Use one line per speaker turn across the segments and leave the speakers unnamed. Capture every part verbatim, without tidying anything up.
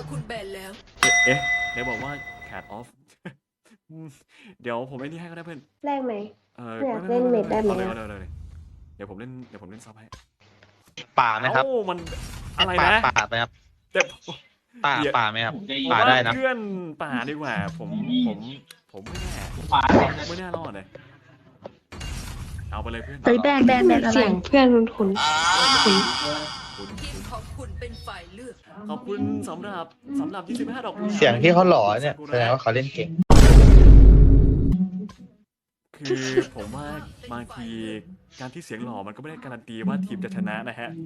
คุณแบนแล้ว
เอ๊ะเดี๋ยวบอกว่าแคทออฟเดี๋ยวผมเล่นที่ให้ก็ได้เพื่อน
แรกไหม
เออ
อยากเล่นเมดได้ไหม
เอาเลยเอาเลยเอาเลยเดี๋ยวผมเล่นเดี๋ยวผมเล่นซับให้
ป่าไหมครับ
เอ้ามันอะไร
ป่า
นะ
ป่าไหมครับ
แต่
ป่าป่าไหมครับ
ผม
ป่า
ว่า
ได้นะ
เพื่อนป่าดีกว่าผมผมผมไม่แน่ไม่น่ารอดเลยเอาไปเลยเพื่อน
เฮ้ยแบนแบนแบนอะไร
เสียงเพื่อนคุณคุณคุณ
คุณ
ทีมของคุณเป็นฝ่ายเลือก
ขอบคุณสำหรับสำหรับยี่สิบห้าดอกกุหลาบ
เสียงที่เขาหล่อเนี่ยแสดงว่าเขาเล่นเก่ง
คือผมว่าบางทีการที่เสียงหล่อมันก็ไม่ได้การันตีว่าทีมจะชนะนะฮะ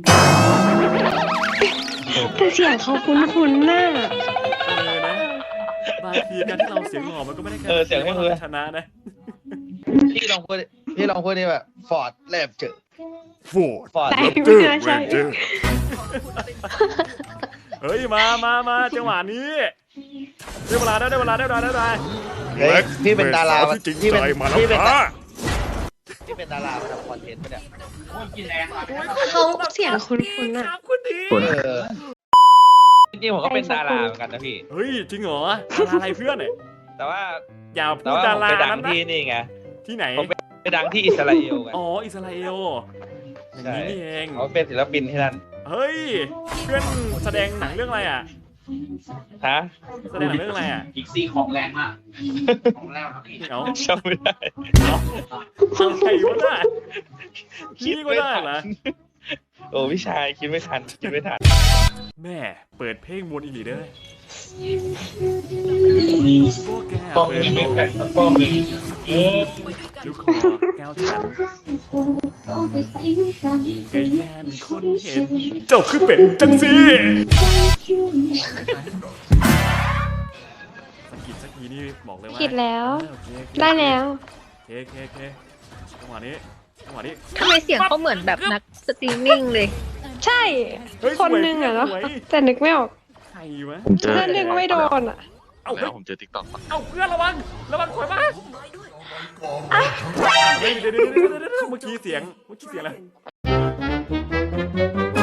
แต่เสียงเขาคุ้นคุ้นน่ะ
เออนะบางทีการที่เราเสียงหล่อมันก็ไม่ได้การัน
เออ
ตี
เสียงให้
ว่า
มือ
เราจะชนะนะ
พี่ลองพูดพี่ลองพูดนี่แบบฟอร์ดแลบเจอ
โฟร์ด
ฟอร์ด
แต่ไม่น่าใช่
ของคุณเป็นฝ่ายเลือก
เฮ้ยมามามาจังหวะนี้ได้เวลาได้ได้เวลาได้เวลาได้เวลา
เฮ้ยพี่เป็นดารา
ที่จริง
พี่
ใจ
เป็น
มาแล้ว
พี่เป็น
ค่ะ
พี่เป็นดารามาทำคอนเทนต์ปะเนี่ย
เขาเสียงคุ้นคุ้นน่ะ
ครับคุณดี
เออจริงๆผมก็เป็นดาราเหมือนกันนะพี่
เฮ้ยจริงเหรอดาราอะไรเพื่อนเนี่ย
แต่ว่า
อย่า
แต่
พูด
ว่า
ดา
ผม
รา
ไปดัง
นั้นนะ
ที่นี่ไง
ที่ไหน
ผมไปดังที่อิสราเอลกัน
อ๋ออิสราเอลอย่างนี้นี่เอง
เขาเป็นศิลปินที่นั่น
เฮ้ยเพื่อนแสดงหนังเรื่องอะไรอ่ะ
ฮะ
แสดงหนังเรื่องอะไรอ่ะ
อีกซี่ของแรงมาก ของแรงครับพี่
เอา
จำไม่ได้
เอาอะไรวะน่ะพี่ก็ได้เหรอ
โอ้พี่ชายคิดไม่ทันคิดไม่ทัน
แม่เปิดเพลงมวนอีหลีเด้อพวกแก
ป้อง
เปิด
มี
เพล
ไม่
ง
แผ่นป้องมีเออ
ลูกคอแก้วฉันแกแย่นคนเห็นเจ้าคือเป็ดจังสิสกิดสักทีนี่บอกเลยว่า
ผิดแล้ว
โอเคโอเค
ได้แล้ว
โอเคโอเคโอเคจังหวะนี้จังหวะนี้
ทำไมเสียงเขาเหมือนแบบนักสตรีมมิ่งเลย
ใช่
เฮ้ย
คนหนึงอะเนาะ
สวย
แต่นึกไม่ออก
ใครวะ
ผมเจอ
เพื่อนนึงไม่โดนอ่ะ
เอ้า
แล้
เฮ้
วย ผมเจอทิกตอก
เอ้าเพื่อนระวังระวังถอยมาเฮ้ยเดี๋ยวเดี๋ยวเดี๋ยวเดี๋ยวเดี๋ยวเมื่อกี้เสียงเมื่อกี้เสียงอะไร